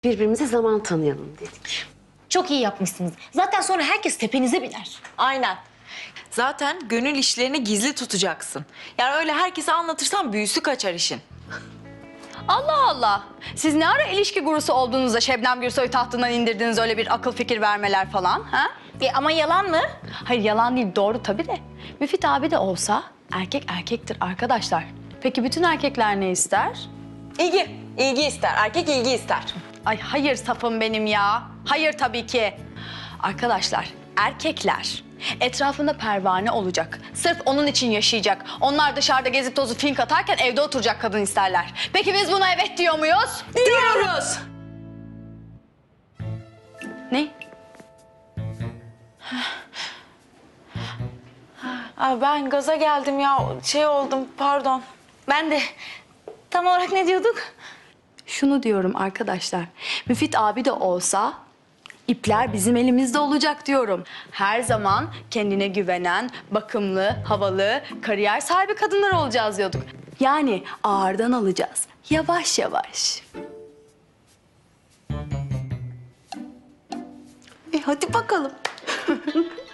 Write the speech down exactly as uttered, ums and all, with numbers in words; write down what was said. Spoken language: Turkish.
birbirimize zaman tanıyalım dedik. Çok iyi yapmışsınız. Zaten sonra herkes tepenize biner. Aynen. Zaten gönül işlerini gizli tutacaksın. Yani öyle herkese anlatırsan büyüsü kaçar işin. Allah Allah. Siz ne ara ilişki gurusu olduğunuzda Şebnem Gürsoy'u tahtından indirdiniz öyle bir akıl fikir vermeler falan ha? E, ama yalan mı? Hayır yalan değil doğru tabii de. Müfit abi de olsa erkek erkektir arkadaşlar. Peki bütün erkekler ne ister? İlgi. İlgi ister. Erkek ilgi ister. Ay hayır safım benim ya. Hayır tabii ki. Arkadaşlar erkekler etrafında pervane olacak. Sırf onun için yaşayacak. Onlar dışarıda gezip tozu fink atarken evde oturacak kadın isterler. Peki biz buna evet diyor muyuz? Diyoruz. Ne? Aa, ben gaza geldim ya. Şey oldum pardon. Ben de. Tam olarak ne diyorduk? Şunu diyorum arkadaşlar. Müfit abi de olsa ipler bizim elimizde olacak diyorum. Her zaman kendine güvenen, bakımlı, havalı, kariyer sahibi kadınlar olacağız diyorduk. Yani ağırdan alacağız. Yavaş yavaş. E hadi bakalım.